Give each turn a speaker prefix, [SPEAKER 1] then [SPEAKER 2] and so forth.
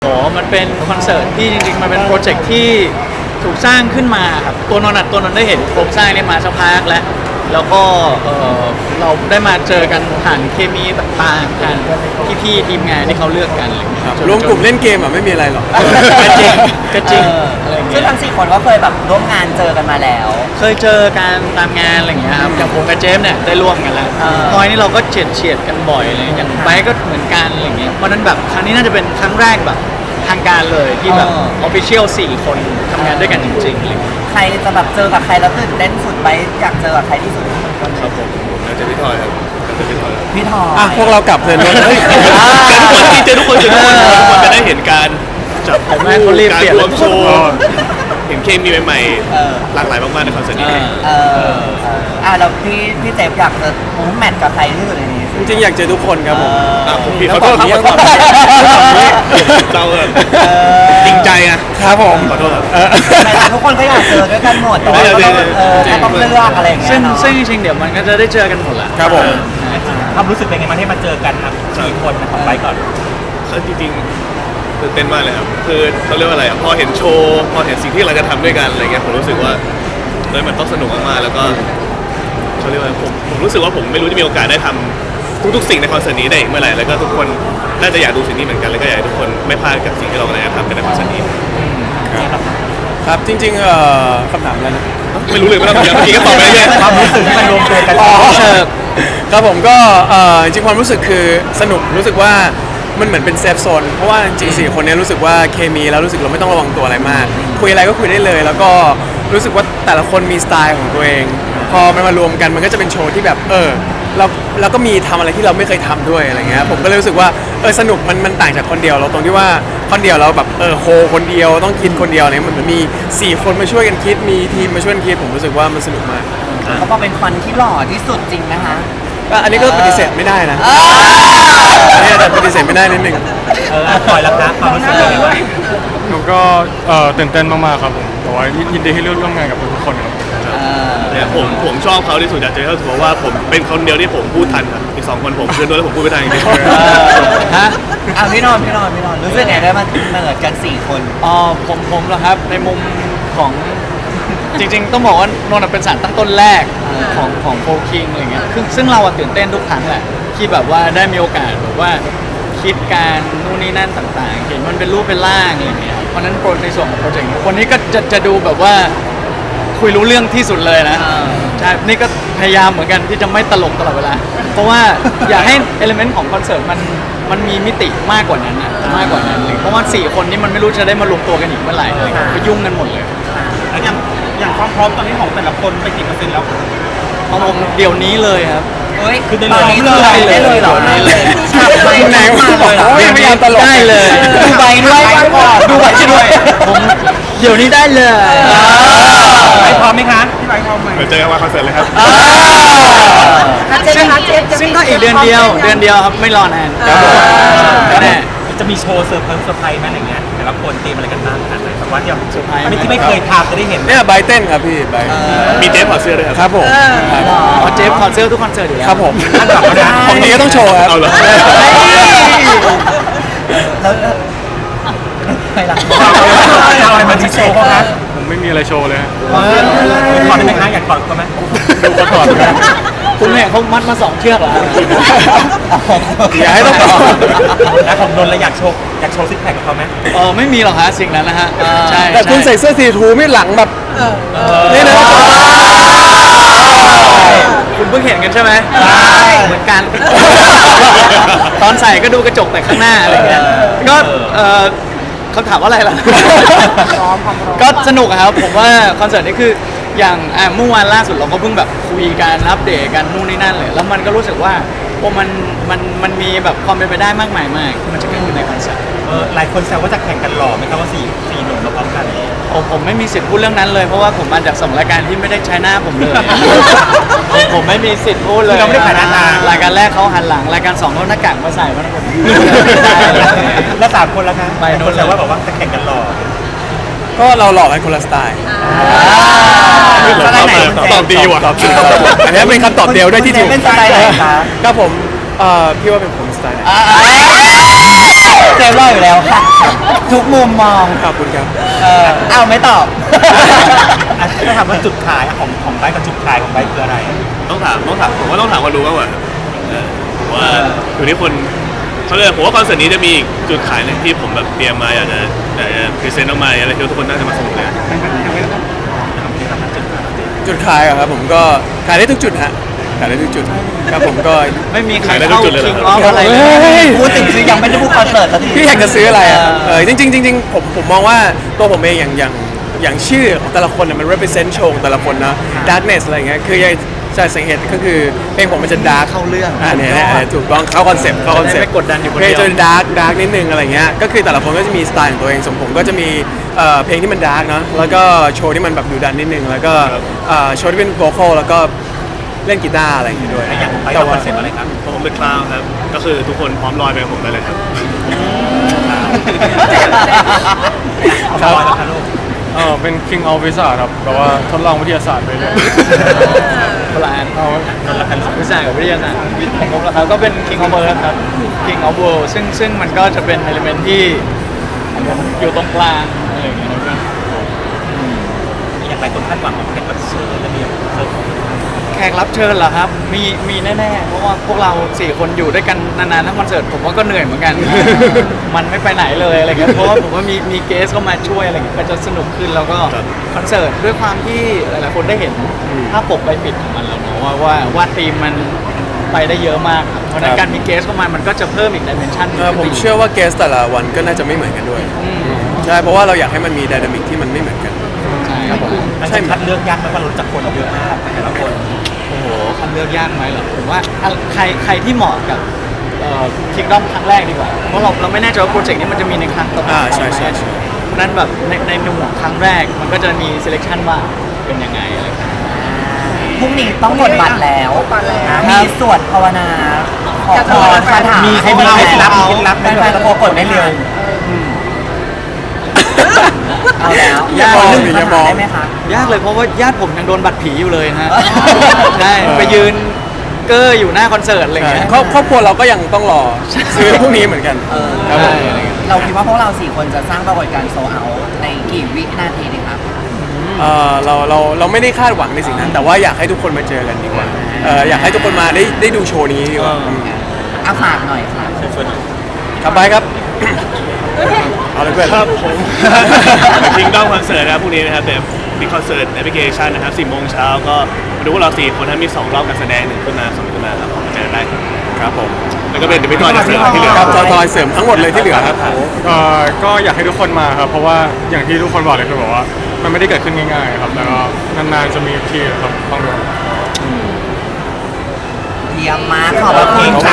[SPEAKER 1] มันเป็นคอนเสิร์ตที่จริงๆมันเป็นโปรเจกต์ที่ถูกสร้างขึ้นมาครับตัวนนท์ได้เห็นโครงสร้างนี้มาสักพักแล้วก็เราได้มาเจอกันผ่านเคมีต่างๆผ่านพี่ๆทีมงานที่เขาเลือกกันอะไรอย่างเงี้ย
[SPEAKER 2] รวมกลุ่มเล่นเกมอ่ะไม่มีอะไรหรอก
[SPEAKER 1] ก็จริงอะไรอย่างเงี้ย
[SPEAKER 3] ซึ่งทั้ง4คนก็เคยแบบร่วมงานเจอกันมาแล้ว
[SPEAKER 1] เคยเจอการตามงานอะไรอย่างเงี้ยครับอย่างผมกับเจมส์เนี่ยได้ร่วมกันแล้วพอยนี่เราก็เฉียดกันบ่อยเลยอย่างไบค์ก็เหมือนกันอะไรอย่างเงี้ยเพราะนั้นแบบครั้งนี้น่าจะเป็นครั้งแรกแบบทางการเลยที่แบบออฟฟิเชียล4 คนทำงานด้วยกันจริงๆอะไรอย่างเงี้ย
[SPEAKER 3] ใครจะแบบเจอกับใครแล้วตื่นเต้นสุดไปอยากเจอกับใครที่สุด
[SPEAKER 4] ครับผมน่าจะพี่ทอยครับ
[SPEAKER 3] พี่ทอย
[SPEAKER 2] อ่ะพวกเรากลับเลยนะ
[SPEAKER 4] เจอทุกคนจะได้เห็นการจับคู่การรวมโชว์เห็นเคมีใหม่ๆหลากหลายมากๆในคอนเสิร์ตนี้
[SPEAKER 3] แล้วพี่เจฟอยากจะแมทกับใครที่สุดในนี้
[SPEAKER 2] จริงๆอยากเจอทุกคนครับ
[SPEAKER 4] ผมขอโทษครับเราจริงใจนะครับ
[SPEAKER 2] ผม
[SPEAKER 4] ขอโทษครับ
[SPEAKER 3] ทุกคนก็อยากเจอด้วยกันหมดแต่ว่าต้องเลือกอะไรอย่างเงี้ย
[SPEAKER 1] ซึ่งจริงๆเดี๋ยวมันก็จะได้เจอกันหมดแหละ
[SPEAKER 2] ครับผม
[SPEAKER 5] ความรู้สึกเป็นไงมาให้มาเจอกันครับ4 คนของไปก่อน
[SPEAKER 4] จริงๆตื่นเต้นมากเลยครับคือเขาเรียกว่าอะไรพอเห็นโชว์พอเห็นสิ่งที่เราจะทำด้วยกันอะไรเงี้ยผมรู้สึกว่ามันต้องสนุกมากๆแล้วก็เขาเรียกว่าผมรู้สึกว่าผมไม่รู้จะมีโอกาสได้ทำทุกๆสิ่งในคอนเสิร์ตนี้ได้อีกเมื่อไหร่แล้วก็ทุกคนน่าจะอยากดูสิ่งนี้เหมือนกันแล้วก็อยากให้ทุกคนไม่พลาดกับสิ่งที่เรากำลังจะทำในคอนเสิร์ตนี้
[SPEAKER 2] ครับจริงๆคำถามอะไรนะ
[SPEAKER 4] ไม่รู้เลยว่าเมื่อกี้ก็ตอบไปเรื่อย
[SPEAKER 5] ความรู้สึกที่มันรวมตัวกัน
[SPEAKER 2] ครับผมก็จริงความรู้สึกคือสนุกรู้สึกว่ามันเหมือนเป็นเซฟโซนเพราะว่าจริง4 คนนี้รู้สึกว่าเคมีแล้วรู้สึกเราไม่ต้องระวังตัวอะไรมากคุยอะไรก็คุยได้เลยแล้วก็รู้สึกว่าแต่ละคนมีสไตล์ของตัวเองพอมันมารวมกันมันก็จะเป็นโชว์ที่แบบเราก็มีทำอะไรที่เราไม่เคยทำด้วยอะไรเงี้ยผมก็เลยรู้สึกว่าสนุกมันต่างจากคนเดียวเราตรงที่ว่าคนเดียวเราแบบโฮคนเดียวต้องคิดคนเดียวเนี่ยมันมี4 คนมาช่วยกันคิดมีทีมมาช่วยกันคิดผมรู้สึกว่ามันสนุกมาก
[SPEAKER 3] เขาบอกเป็นคนที่หล่อที่สุดจริงนะคะ
[SPEAKER 2] อันนี้ก็ปฏิเสธไม่ได้นะอันนี้ปฏิเสธไม่ได้นิดนึง
[SPEAKER 5] ปล่อยละครับความรู้สึกเป็นยังไง
[SPEAKER 6] ผมก็ตื่นเต้นมากๆครับผมแต่ว่ายินดีให้ร่วมงานกับทุกคนครับ
[SPEAKER 4] เนี่ยผมชอบเขาที่สุดอยากเจอเขาเพราะว่าผมเป็นคนเดียวที่ผมพูดทันครับอีก2 คนผมเพื่อนด้วยแล้วผมพูดไม่ทันจริง
[SPEAKER 3] ๆฮะพี่นอนรู้สึกไงได้มาเนิร์ดกัน4 คน
[SPEAKER 1] ผมเหรอครับในมุมของจริงๆต้องบอกว่านนท์เป็นสารตั้งต้นแรกของโฟล์คิงอะไรเงี้ยซึ่งเราตื่นเต้นทุกครั้งแหละที่แบบว่าได้มีโอกาสแบบว่าคิดการนู่นนี่นั่นต่างๆเห็นมันเป็นรูปเป็นร่างอะไรเงี้ยเพราะนั้นในส่วนของโปรเจกต์วันนี้ก็จะดูแบบว่าคุยรู้เรื่องที่สุดเลยนะใช่นี่ก็พยายามเหมือนกันที่จะไม่ตลกตลอดเวลาเพราะว่าอยากให้เอลิเมนต์ของคอนเสิร์ตมันมีมิติมากกว่านั้นมากกว่านั้นเลยเพราะว่า4 คนนี้มันไม่รู้จะได้มารวมตัวกันอีกเมื่อไหร่เลยไปยุ่งกันหมดเลย
[SPEAKER 5] แล้วอย่างความพร้อมตอนนี้ของแต่ละคนไปกี่%แล้ว
[SPEAKER 1] ของผมเดี๋ยวนี้เลยครับ
[SPEAKER 3] คือตอนนี้ได้เลยเหรอขับไปไหนมาเลยเหรอ
[SPEAKER 1] ไม่พยายามตลกได้เลย
[SPEAKER 3] ดูใบด้วย
[SPEAKER 1] ดูใบด้วยผมเดี๋ยวนี้ได้เลย
[SPEAKER 5] ไปพร้อมไหมคะพี่ไปพร้อมไหม
[SPEAKER 4] เจอกันวันคอนเสิร์ตเลยครับ
[SPEAKER 1] ซึ่งก็อีกเดือนเดียวครับไม่รอนานแน่
[SPEAKER 5] จะมีโชว์เซอร์ไพรส์ไหมอะไรเงี้ยแต่ละคนเตรียมอะไรกันบ้างขนาดไหนแบบว่าอย่างเซอร์ไพรส์ที่ไม่เคยทำจะได้เห็น
[SPEAKER 2] เนี่ยไบเต้นครับพี่ไบ
[SPEAKER 4] มีเจฟถอดเสื้อด้วย
[SPEAKER 2] ครับผม
[SPEAKER 1] เจฟถอดเสื้อทุกคอนเสิร์ตอยู่แล้ว
[SPEAKER 2] ครับผมของนี้ก็ต้องโชว์ครับ
[SPEAKER 4] เอาเหรอ
[SPEAKER 3] แล้วไปหลัง
[SPEAKER 5] เอาอะไรมาที่โชว์เขาครับ
[SPEAKER 6] ผมไม่มีอะไรโชว์เลย
[SPEAKER 5] ถอดได้ไหมคะอยากถอดก็ไหม
[SPEAKER 6] ดูเขาถอดนะ
[SPEAKER 1] คุณแม่เขามัดมา2 เชือกเหรอ
[SPEAKER 2] อยากให้ต้องต่อ
[SPEAKER 5] แล้วของนนท์แล้วอยากโชว์ซิกแพคกับเขาไหม
[SPEAKER 1] ไม่มีหรอกฮะสิ่งนั้นนะฮะใช่
[SPEAKER 2] แต่คุณใส่เสื้อสีทูไม่หลังแบบนี่นะ
[SPEAKER 1] คุณเพิ่งเห็นกันใช่ไหมเหมือนกันตอนใส่ก็ดูกระจกแต่ข้างหน้าอะไรเงี้ยก็เขาถามว่าอะไรล่ะก็สนุกครับผมว่าคอนเสิร์ตนี้คืออย่างเมื่อวานล่าสุดเราก็เพิ่งแบบคุยกันอัปเดตกันนู่นนี่นั่นเลยแล้วมันก็รู้สึกว่ามันมีแบบความเป็นไปได้มากมายมากที่มันจะเกิดขึ้นในคอนเสิร์ต
[SPEAKER 5] หลายคนแซวว่าจะแข่งกันหล่อไหมครับว่า4 หนุ่มมาพร้อมกัน
[SPEAKER 1] ผมไม่มีสิทธิ์พูดเรื่องนั้นเลยเพราะว่าผมมาจาก2 รายการที่ไม่ได้ใช้หน้าผมเลยผมไม่มีสิทธิ์พูดเลย
[SPEAKER 5] เราไม่ได้ขายหน้าร
[SPEAKER 1] ายการแรกเขาหันหลังรายการ2เขาหน้ากากมาใส่มาทั้งหมด
[SPEAKER 5] แล้ว3 คนแล้วครับไปโน้นแซวว่าบอกว่าจะแข่งกันหล่อ
[SPEAKER 2] ก็เราหล่อกันคนละสไตล์
[SPEAKER 4] ตอบดีว่ะ
[SPEAKER 2] อันนี้เป็นคำตอบเดียวด้วยที่ถูก
[SPEAKER 3] เป็นสไตล์ไหนคะ
[SPEAKER 2] ก็ผมพี่ว่าเป็นผมสไตล์ไหน
[SPEAKER 3] เซฟรออยู่แล้วค่ะทุกมุมมอง
[SPEAKER 2] ขอบคุณครับ
[SPEAKER 3] เอาไม่ตอบ
[SPEAKER 5] ถ้าถามว่าจุดขายของไบค์กับจุดขายของไบค์คืออะไร
[SPEAKER 4] ต้องถามผมว่าต้องถามคนดูมากกว่าครับผมว่าอยู่ที่คนเขาเลยกผมว่าคอนเสิร์ตนี้จะมีอีกจุดขายหนึ่งที่ผมแบบเตรียมมาอยากจะพรีเซนต์ออกมาอะไรที่ทุกคนน่าจะมาสนุกเลย
[SPEAKER 2] จุดขายเหรอครับผมก็ขายได้ทุกจุดฮะขายได้ทุกจุดครับผมก็
[SPEAKER 1] ไม่มีใคร
[SPEAKER 4] ขายได้ทุ
[SPEAKER 1] เข้าก
[SPEAKER 4] จุดเลยเหรอ
[SPEAKER 1] คิงออฟอะไรเล
[SPEAKER 2] เฮ้
[SPEAKER 1] ย
[SPEAKER 2] ย
[SPEAKER 3] พูดถึงซื้อยังไม่ได้พูดคอนเสิร์ตสักที
[SPEAKER 2] พี่อยากจะซื้ออะไรอ่ะจริงๆผมมองว่าตัวผมเองอย่างชื่อของแต่ละคนเนี่ยมัน represent โชว์ของแต่ละคนนะ darkness อะไรเงี้ยคือจะสังเกตก็คือเพลงผมมันจะ dark
[SPEAKER 1] เข้าเรื่อง
[SPEAKER 2] เนี่ยถูกต้องเข้าคอนเซ็ปต์
[SPEAKER 1] จะได้ไม่กดดันอยู่คน
[SPEAKER 2] เพล
[SPEAKER 1] เดี
[SPEAKER 2] ง
[SPEAKER 1] ยว
[SPEAKER 2] จะ dark นิดนึงอะไรเงี้ยก็คือแต่ละคนก็จะมีสไตล์ของตัวเองส่วนผมก็จะมีเพลงที่มัน dark เนอะแล้วก็โชว์ที่มันแบบดุดันนิดนึงแล้วก็โชว์ที่เป็น vocal แล้วก็เล่นกีตาร์อะไรอย่างเงี้ยด้วย
[SPEAKER 5] อย่างของไบค์
[SPEAKER 2] แต่
[SPEAKER 5] เราค
[SPEAKER 2] ว่า
[SPEAKER 5] อนเซ็ปต์อะไรครับ
[SPEAKER 4] ผมเป็นคลาวครับก็คือทุกคนพร้อมลอยไปกับผมได้เลยครับ
[SPEAKER 5] ครับแล้วครับลูก
[SPEAKER 6] เป็น King of Wizard ครับแบบว่าทดลองวิทยาศาสตร์ไปเลย
[SPEAKER 1] พลานเอาวิชากับวิทยาศาสตร์วิทย์ของผมแล้วครับก็เป็น King of Earth ครับ King of World ซึ่งมันก็จะเป็น element ที่อยู่ตรงกลางอะไรอย่างเงี้ยนะครับ
[SPEAKER 5] อย่างไรคนคาดหวังของแขกรับเชิญและมีเซอร์ไพรส์
[SPEAKER 1] แขกรับเชิญเหรอครับ มีแน่ๆ เพราะว่าพวกเรา4คนอยู่ด้วยกันนานๆทั้งคอนเสิร์ตผมว่าก็เหนื่อยเหมือนกัน มันไม่ไปไหนเลยอะไรเงี้ยเพราะว่าผมว่ามีเกสเข้ามาช่วยอะไรเงี้ยก็จะสนุกขึ้นแล้วก็
[SPEAKER 4] ครับ
[SPEAKER 1] คอนเสิร์ตด้วยความที่หลายๆคนได้เห็นภาพปกใบปิดของมันแล้วเนาะว่าธีมมันไปได้เยอะมากครับเพราะฉะนั้นการมีเกสเข้ามามันก็จะเพิ่มอีกดิเมนชัน
[SPEAKER 2] ผมเชื่อว่าเกสแต่ละวันก็น่าจะไม่เหมือนกันด้วยใช่เพราะว่าเราอยากให้มันมีไดนามิกที่มันไม่เหมือนกัน
[SPEAKER 1] ใช่ครับผม
[SPEAKER 5] มันจะคัดเลือกยากไหมว่าเรารู้จักคนเยอะมากแต่ละคน
[SPEAKER 1] โอ้โหคัดเลือกยากไหมเหรอผมว่าใครที่เหมาะกับคิกดอมครั้งแรกดีกว่าเพราะเราไม่แน่ใจว่าโปรเจกต์นี้มันจะมีในครั้งต่อไป
[SPEAKER 2] ใช่
[SPEAKER 1] เพราะฉะนั้นแบบในหน่วยครั้งแรกมันก็จะมี selection ว่าเป็นยังไงอะไรครับ
[SPEAKER 3] พรุ่งนี้ต้องกดบัตรแล้วมีสวดภาวนาขอพรคาถา
[SPEAKER 5] มีให้มีเคล็ดลับเคล็ดลับไหม
[SPEAKER 3] แฟนๆตะโกนกดไม่เร็วเอาแล้ว
[SPEAKER 2] อย่ามอง
[SPEAKER 3] หนึ่ง
[SPEAKER 2] อย่ามอง
[SPEAKER 3] ได้ไหมคะ
[SPEAKER 1] ยากเลยเพราะว่าญาติผมยังโดนบัตรผีอยู่เลยนะฮะ ใช่ไปยืนเกอร์อยู่หน้าคอนเสิร์ตอะไรอย่างเงี้ย
[SPEAKER 2] ครอบครัวเราก็ยังต้องรอซื้อพรุ่งนี้เหมือนกันครับผม
[SPEAKER 3] เราคิดว่าพวกเรา4คนจะสร้างปรากฏการณ์โซเอาในกี่วินาทีดีครับ
[SPEAKER 2] เราไม่ได้คาดหวังในสิ่งนั้น แต่ว่าอยากให้ทุกคนมาเจอกันดีกว่าอยากให้ทุกคนมาได้ดูโชว์นี้ดีกว่า
[SPEAKER 3] อาฝากหน่อยค่ะ
[SPEAKER 2] ครับไปครับ เอาเลยเพื่อน
[SPEAKER 4] ครับผมคิงดอมคอนเสิร์ตนะครับพรุ่งนี้นะครับแบบมีคอนเสิร์ตแอปพลิเคชันนะครับ 10 โมงเช้าก็มาดูพวกเรา4คนนะมี2 รอบการแสดง1 ขึ้นมา2 ขึ้นมาครับผมเจอกันได้ครับ
[SPEAKER 2] ครับผม
[SPEAKER 4] แล้วก็เป็นเดี๋ยวไม่ต่อจะเสริมที่เหลือ
[SPEAKER 2] ครับทอยเสริมทั้งหมดเลยที่เหลือครับ
[SPEAKER 6] ก็อยากให้ทุกคนมาครับ เพราะว่าอย่างที่ทุกคนบอกเลยคือแบบว่า มันไม่ได้เกิดขึ้นง่ายๆครับแล้วก็นานๆจะมีทีครับต้องดู
[SPEAKER 3] เยี่ยมมากขอบคุณค่ะ